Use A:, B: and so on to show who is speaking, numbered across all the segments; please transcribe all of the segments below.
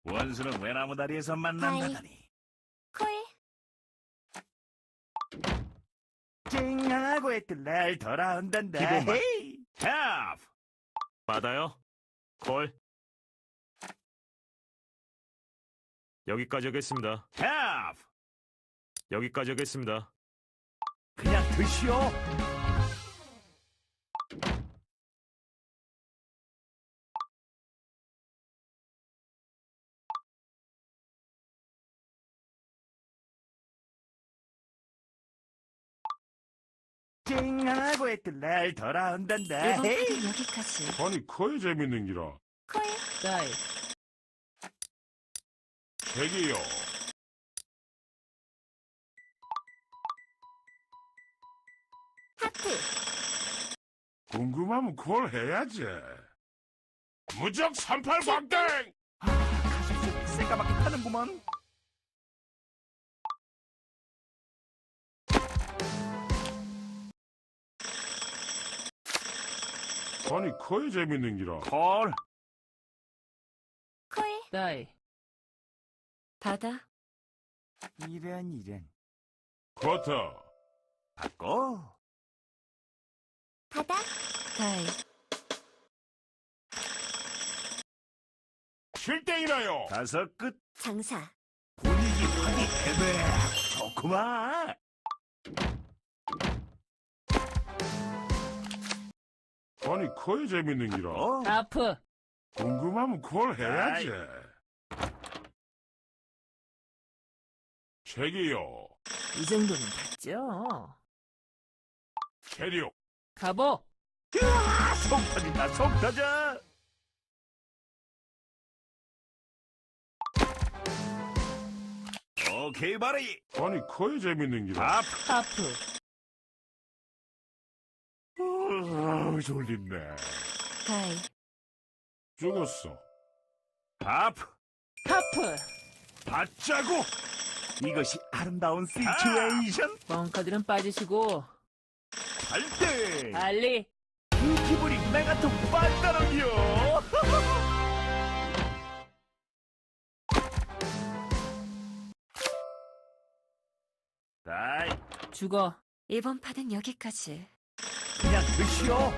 A: 원수는 외나무 다리에서 만난다더니
B: 콜.
A: 찡하고 했던 날 돌아온단다.
C: 기본만.
A: 헤이! 하프!
C: 받아요. 콜. 여기까지 하겠습니다.
A: 하프!
C: 여기까지 하겠습니다.
A: 그냥 드시오. 찡하고 했던 날 돌아온단다.
B: 이번
A: 헤이!
B: 판은 여기까지.
D: 아니 커야 재밌는 기라.
B: 콜.
E: 다이.
D: 책이요.
B: 하프.
D: 궁금하면 그걸 해야지. 무적 38 광땡.
A: 가슴속이 새까맣게 타는구먼.
D: 아니 커야 재밌는 기라.
A: 콜.
B: 콜.
E: 다이.
B: 받아.
A: 이런.
D: 커터.
A: 받고.
B: 받아. 다이.
D: 7땡이라요.
A: 다섯 끝.
B: 장사.
A: 분위기 확이 애매하고 좋구만.
D: 아니 커야 재밌는 기라.
E: 하프.
D: 궁금하면 그걸 해야지. 책이요.
E: 이 정도는 봤죠.
D: 체력.
E: 가보.
A: 속 터진다, 속 터져. 오케이, 바리.
D: 아니 커야 재밌는 기라.
A: 하프.
E: 하프.
A: 졸린네.
B: 다이.
D: 죽었어.
A: 하프.
E: 하프.
A: 받자고. 이것이 아름다운 시츄에이션.
E: 뻥카들은 빠지시고.
A: 발대.
E: 알리.
A: 이 기분이 메가톡 빠따랑이요. 다이.
E: 죽어.
B: 이번 판은 여기까지.
A: 그냥 드시오.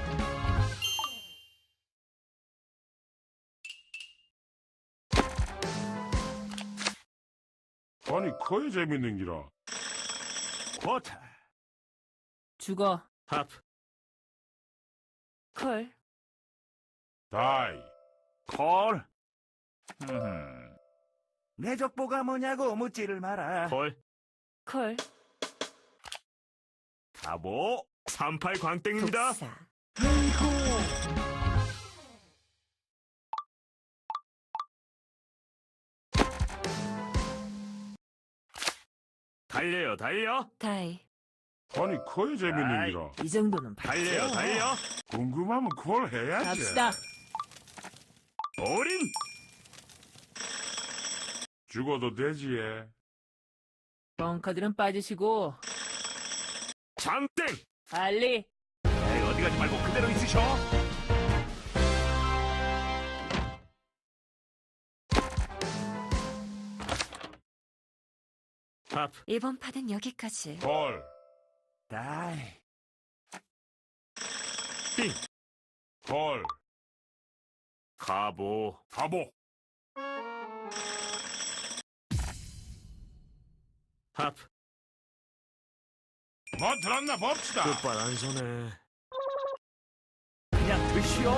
D: 아니 커야 재밌는 기라.
A: 쿼터.
E: 죽어.
C: 하프.
B: 콜.
D: 다이.
A: 콜. 내 족보가 뭐냐고 묻지를 마라.
C: 콜.
B: 콜.
A: 가보.
C: 38 광땡입니다.
B: 독사.
C: 달려요, 달려.
B: 다이.
D: 아니 커야 재밌는
A: 아이.
D: 기라.
E: 이 정도는 봤죠.
C: 달려요, 달려.
D: 궁금하면 그걸 해야지.
E: 갑시다.
C: 올인.
D: 죽어도 되지. 예.
E: 뻥카들은 빠지시고.
C: 장땡.
E: 알리.
A: 에이, 어디 가지 말고 그대로 있으셔.
C: 하프.
B: 이번 판은 여기까지.
D: 콜.
A: 다이.
C: 띵.
D: 콜.
C: 가보.
D: 가보.
C: 하프.
D: 뭐 들었나 봅시다.
C: 끝발 안 서네.
A: 그냥 드시오.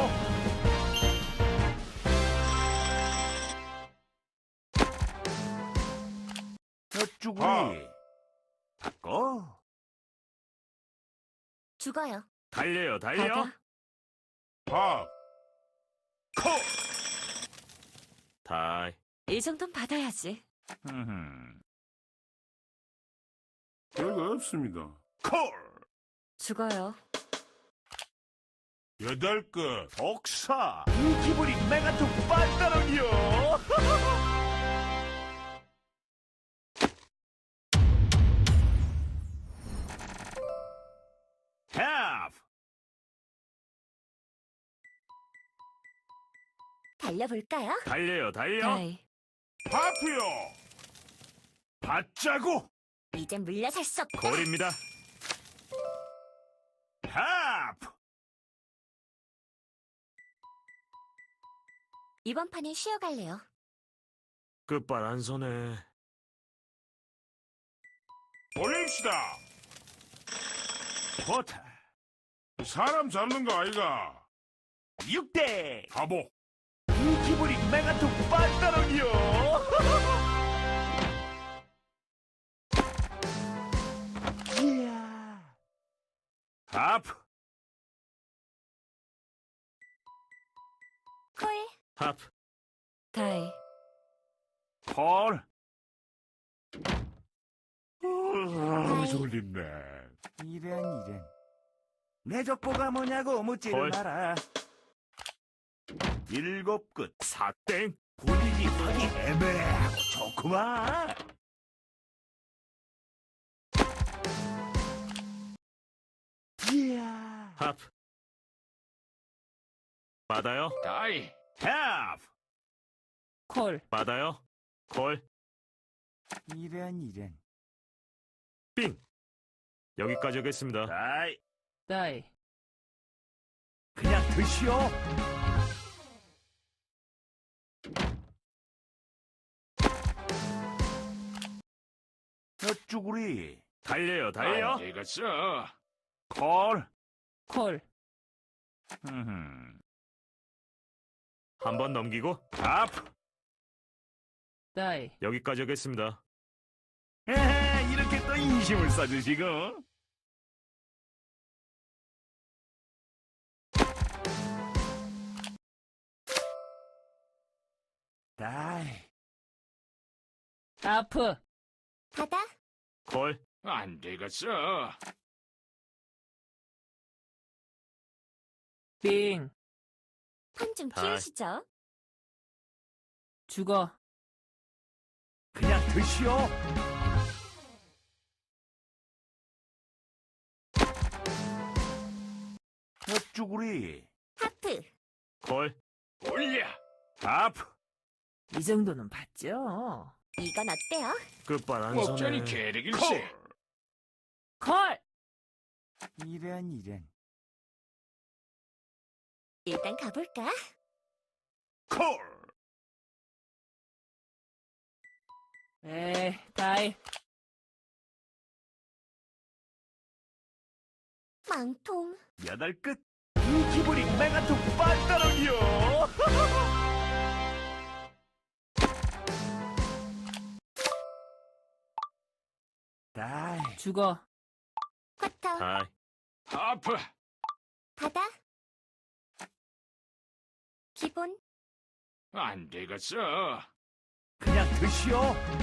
A: 저쭈구리. 받고.
B: 죽어요.
C: 달려요, 달려.
B: 받아.
D: 팝.
A: 코.
C: 다이.
B: 이 정도는 받아야지.
D: 별거 없습니다.
A: 콜.
B: 죽어요.
D: 8끝.
A: 복사. 이 기분이 메가톡 빠따랑이요. half.
B: 달려볼까요?
C: 달려요, 달려.
B: 다이.
D: 하프요.
A: 받자고.
B: 이젠 물러설 수 없다.
C: 콜입니다.
A: 하프.
B: 이번 판은 쉬어갈래요.
C: 끝발 안 서네.
D: 올립시다.
A: 버터.
D: 사람 잡는 거 아이가.
A: 6대.
D: 바보.
A: 이 기분이 메가톡 빤따랑이요. 이야. 하프.
B: 콜.
C: 하프.
B: 다이.
A: 콜.
B: 아이.
A: 졸립네. 이런. 내 족보가 뭐냐고 묻지를
C: 콜.
A: 마라. 7끝.
C: 사땡.
A: 분위기 하기 애매하고 좋구만. 이야.
C: 하프. 받아요.
D: 다이.
A: 하프.
E: 콜.
C: 받아요. 콜.
A: 이런.
C: 빙. 여기까지 하겠습니다.
A: 다이.
E: 다이.
A: 그냥 드시오. 쭈구리.
C: 달려요, 달려.
D: 되겠어.
A: 콜.
E: 콜.
C: 한 번 넘기고
A: 하프.
E: 다이.
C: 여기까지 하겠습니다.
A: 에헤, 이렇게 또 인심을 써주시고. 다이.
E: 하프.
B: 바다.
C: 콜.
D: 안 되겠어.
E: 빙.
B: 판 좀
C: 다이.
B: 키우시죠.
E: 죽어.
A: 그냥 드시오. 쭈구리.
B: 하프.
C: 콜.
D: 올려.
A: 하프.
E: 이 정도는 봤죠.
B: 이건 어때요?
C: 끝발 안
D: 목전이
C: 서네.
D: 계륵일세.
E: 콜.
A: 이런.
B: 일단 가볼까?
A: 콜.
E: 에이, 다이.
B: 망통.
A: 8끝. 이 기분이 메가톡 빤따랑이요. 다이.
E: 죽어.
B: 쿼터.
C: 다이.
D: 하프.
B: 바다. 기본.
D: 안 되겠어.
A: 그냥 드시오.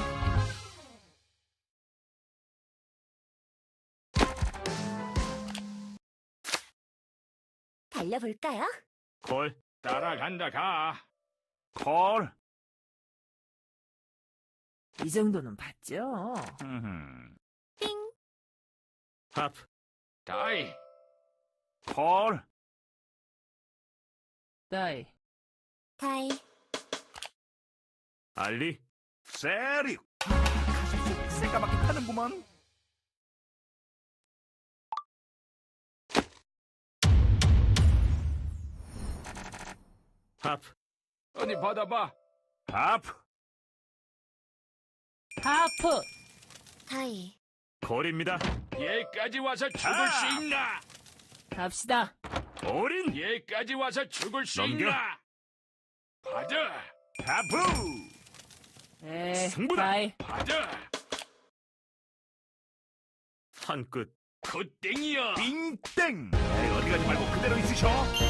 B: 달려볼까요?
C: 콜.
D: 따라간다 가.
A: 콜.
E: 이 정도는 봤죠.
B: 빙.
C: 하프.
D: 다이.
A: 콜.
E: 다이.
B: 다이.
C: 알리.
A: 세리. 가슴속이 새까맣게 타는구만.
C: 하프.
D: 어디 받아봐.
A: 하프.
E: 하프.
B: 다이.
C: 콜입니다.
D: 얘까지 와서 죽을
A: 아!
D: 수 있나?
E: 갑시다.
C: 올인.
D: 얘까지 와서 죽을 수
C: 넘겨.
D: 있나? 받아.
A: 하프.
E: 에이,
C: 승부다.
E: 다이.
D: 받아.
C: 한 끝.
D: 굿땡이야.
A: 빙땡. 에이, 어디 가지 말고 그대로 있으셔.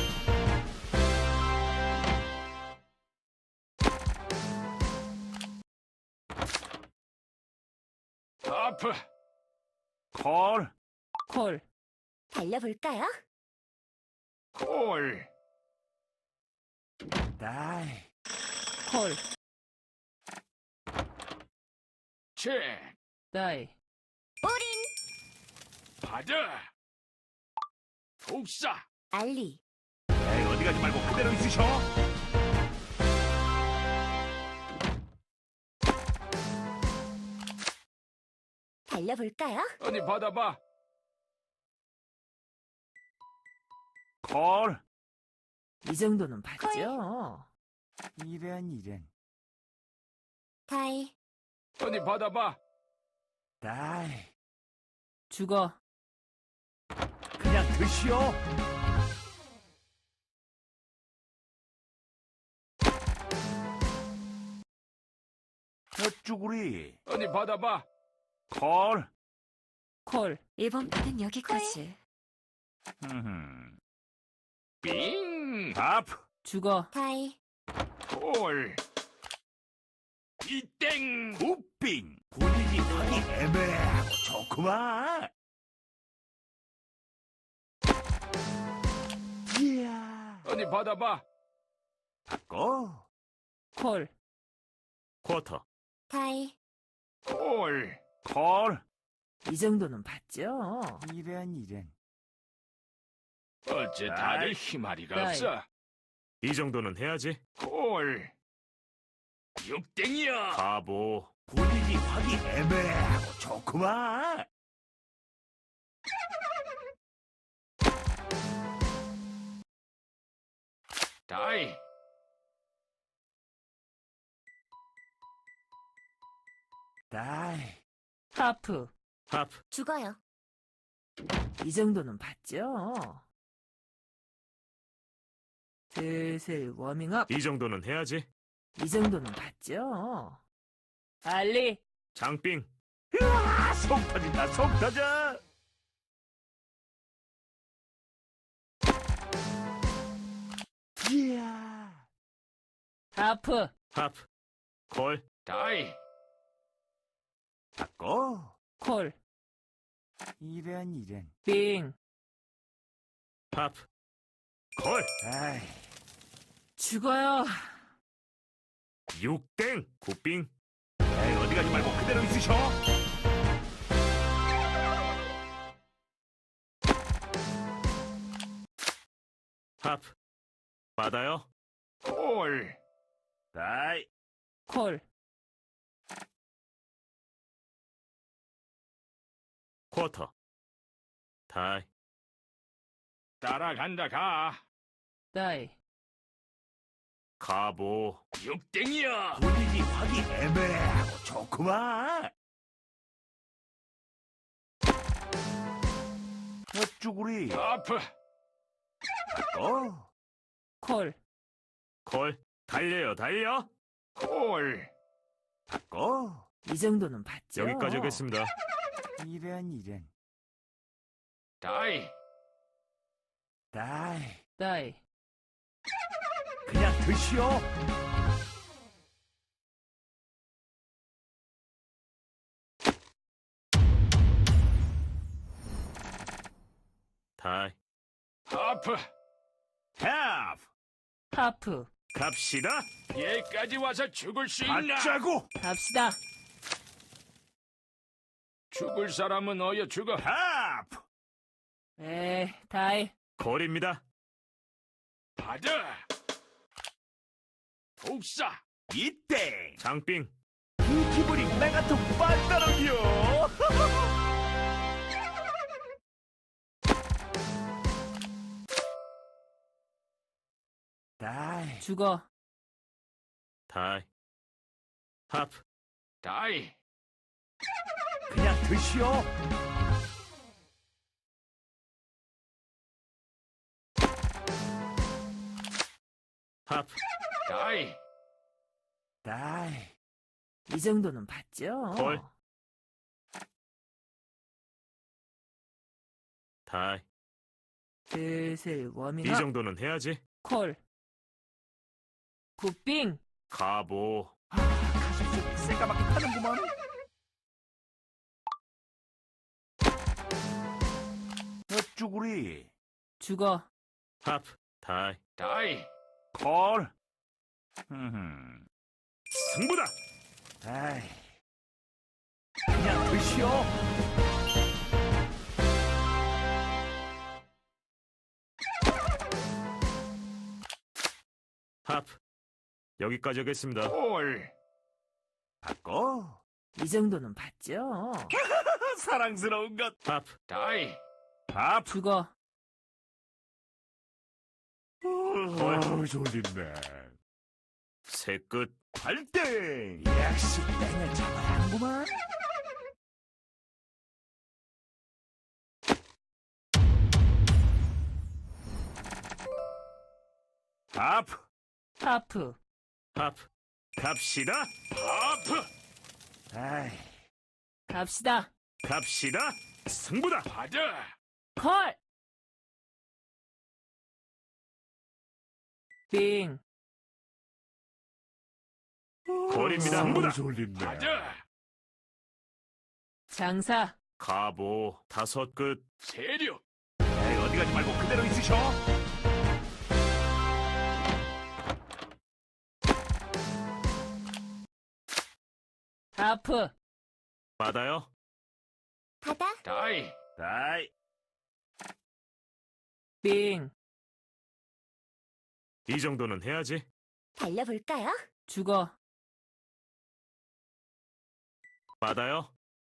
D: 하프.
A: 콜.
E: 콜.
B: 달려볼까요?
D: 콜.
A: 다이.
E: 콜.
D: 체.
E: 다이.
B: 올인.
D: 받아. 독사.
B: 알리.
A: 에이, 어디 가지 말고 그대로 있으셔.
B: 달려볼까요?
D: 어디 받아봐.
A: 콜.
E: 이 정도는 봤죠?
A: 이런.
B: 다이.
D: 어디 받아봐.
A: 다이.
E: 죽어.
A: 그냥 드시오. 쭈구리.
D: 어디 받아봐.
A: 콜.
E: 콜.
B: 이번 판은 여기까지.
D: 빙.
A: 하프.
E: 죽어.
B: 다이.
D: 콜. 이땡.
A: 굿빙. 분위기 하기 애매하고 좋구만. 이야.
D: 어디 받아봐.
A: 바꿔.
E: 콜.
C: 쿼터.
B: 다이.
D: 콜.
A: 콜.
E: 이 정도는 봤죠?
A: 이런.
D: 어째 다들 희마리가
E: 다이.
D: 없어.
C: 이 정도는 해야지.
D: 콜. 육땡이야.
C: 바보.
A: 분위기 하기 애매하고 좋구만.
D: 다이.
A: 다이.
E: 하프.
C: 하프.
B: 죽어요.
E: 이 정도는 봤죠? 슬슬 워밍업.
C: 이 정도는 해야지.
E: 이 정도는 봤죠? 빨리.
C: 장빙.
A: 으아, 속 터진다, 속 터져. 이야.
E: 하프.
C: 하프. 콜.
D: 다이.
A: 바꿔.
E: 콜.
A: 이런.
E: 빙.
C: 하프. 콜.
A: 아이.
E: 죽어요.
C: 육땡. 굿빙.
A: 에이, 어디 가지 말고 그대로 있으셔.
C: 하프. 받아요.
D: 콜.
A: 다이.
E: 콜.
C: 쿼터. 다이.
D: 따라간다 가.
E: 다이.
C: 가보.
D: 육땡이야.
A: 분위기 하기 애매하고 좋구만. 쭈구리.
D: 아프.
A: 바꿔.
E: 콜.
C: 콜. 달려요, 달려.
D: 콜.
A: 바꿔.
E: 이 정도는 봤죠?
C: 여기까지 하겠습니다.
A: 이런.
D: 다이.
A: 다이.
E: 다이.
A: 그냥 드시오.
C: 다이.
D: 아프.
A: have.
E: 하프.
C: 갑시다.
D: 얘까지 와서 죽을 수 있나?
A: 받자고.
E: 갑시다.
D: 죽을 사람은 어여 죽어.
A: have.
E: 다이.
C: 콜입니다.
D: 받아. 독사.
A: 이때
C: 장빙.
A: 그 기분이 내가 더 빠르다는겨. 다이.
E: 죽어.
C: 다이. 하프.
D: 다이.
A: 그냥 드시오.
C: 하프.
D: 다이.
A: 다이.
E: 이 정도는 봤죠?
C: 콜. 다이.
E: 슬슬
C: 이
E: 워밍업.
C: 정도는 해야지.
E: 콜. 굿빙.
C: 가보.
A: 가슴 속이 새까맣게 타는구만. 쭈구리.
E: 죽어.
C: 하프. 다이.
D: 다이.
A: 콜.
C: 승부다.
A: 아이. 그냥 드시오.
C: 하프. 여기까지 하겠습니다.
D: 콜.
A: 바꿔.
E: 이 정도는 봤죠?
A: 사랑스러운 것.
C: 하프,
D: 다이.
A: 하프.
E: 죽어.
A: 졸린네.
C: 새 끝.
A: 발등. 역시 땡을 잡아야 하는구만. 하프.
E: 하프.
C: 하프. 갑시다.
D: 하프.
A: 아이,
E: 갑시다.
C: 갑시다. 승부다.
D: 받아.
E: 콜. 빙.
C: 거리입니다. 승부다.
A: 졸린네.
D: 받아.
E: 장사.
C: 가보. 다섯 끝.
D: 세력.
A: 에이, 어디 가지 말고 그대로 있으셔.
E: 하프.
C: 받아요.
B: 바다.
D: 다이.
A: 다이.
E: 빙.
C: 이 정도는 해야지.
B: 달려볼까요?
E: 죽어.
C: 받아요.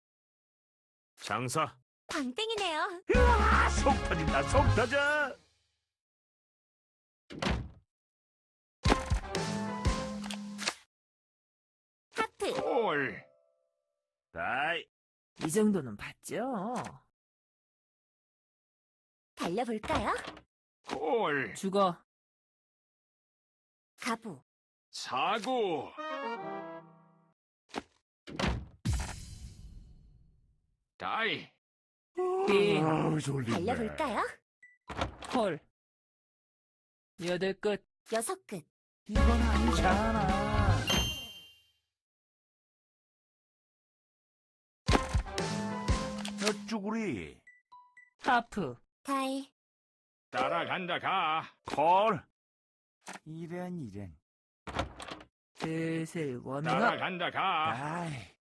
C: 장사.
B: 광땡이네요.
A: 으아, 속 터진다, 속 터져.
B: 하프.
D: 콜.
A: 다이.
E: 이 정도는 봤죠?
B: 달려볼까요?
D: 콜.
E: 죽어.
B: 가부.
D: 사고. 다이.
E: 빙.
A: 졸린네.
B: 달려볼까요?
E: 콜. 여덟 끝.
B: 여섯 끝.
A: 이건 아니잖아. 쭈구리.
E: 하프.
B: 다이.
D: 따라간다 가.
A: 콜. 이런.
E: 슬슬 워밍업.
D: 따라간다 가.
A: 아이,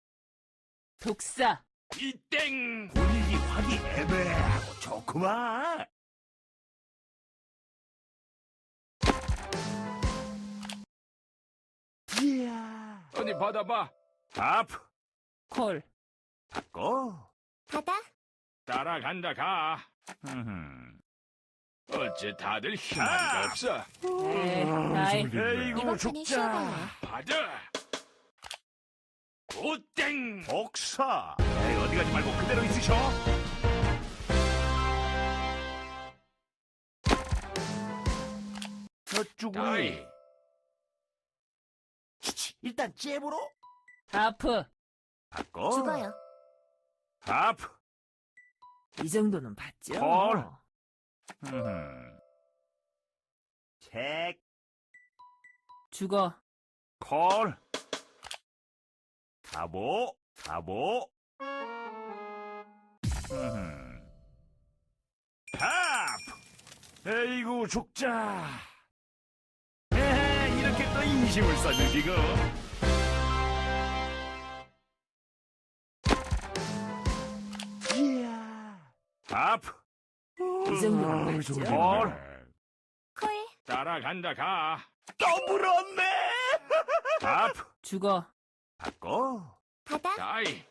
E: 독사.
D: 이땡.
A: 분위기 확이 애매하고 좋구만. 이야.
D: 어디 받아봐.
A: 하프.
E: 콜.
A: 바꿔.
B: 바다.
D: 따라간다 가. 어째 다들 희망이
A: 아!
D: 없어.
E: 다이.
A: 에이구,
B: 이번 판은
A: 죽자.
B: 쉬어가요.
D: 받아. 오땡.
A: 복사. 에이, 어디 가지 말고 그대로 있으셔. 쭈구리.
D: 다이.
A: 일단 잽으로.
E: 하프.
A: 바꿔.
B: 죽어요.
A: 하프.
E: 이 정도는 봤죠?
A: 콜. 책.
E: 죽어.
A: 콜. 가보. 하프. 에이구, 죽자. 에헤, 이렇게 또 인심을 써주시고. 이야. 하프.
E: 이 정도는 봤죠?
A: 콜.
B: 콜.
D: 따라간다 가.
A: 또 물었네. 하프.
E: 죽어.
A: 바꿔.
B: 바다.
D: 다이.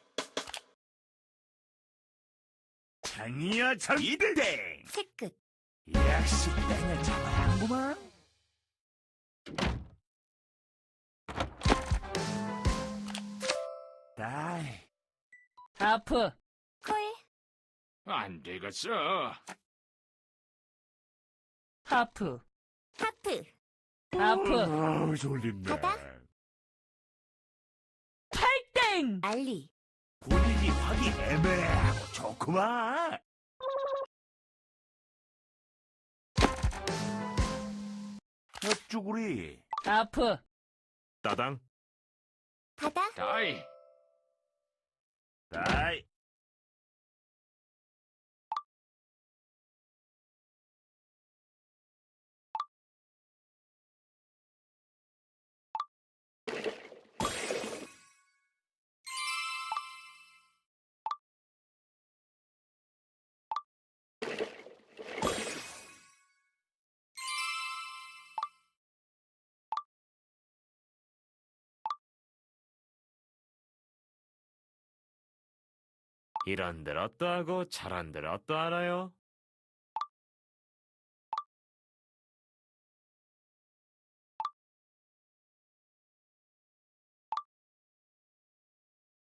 A: 장이야, 장. 이땡.
B: 세 끝.
A: 역시 땡을 잡아야 하는구만. 다이.
E: 하프.
B: 콜.
D: 안 되겠어.
B: 하프.
E: 하프. 하프.
A: 졸린네.
B: 바다?
E: 팔땡.
B: 알리.
A: 분위기 확이 애매하고 좋구만. 쭈구리.
E: 하프.
C: 따당.
B: 바다.
D: 다이.
A: 다이.
C: 이런들 어떠하고 저런들 어떠하나요?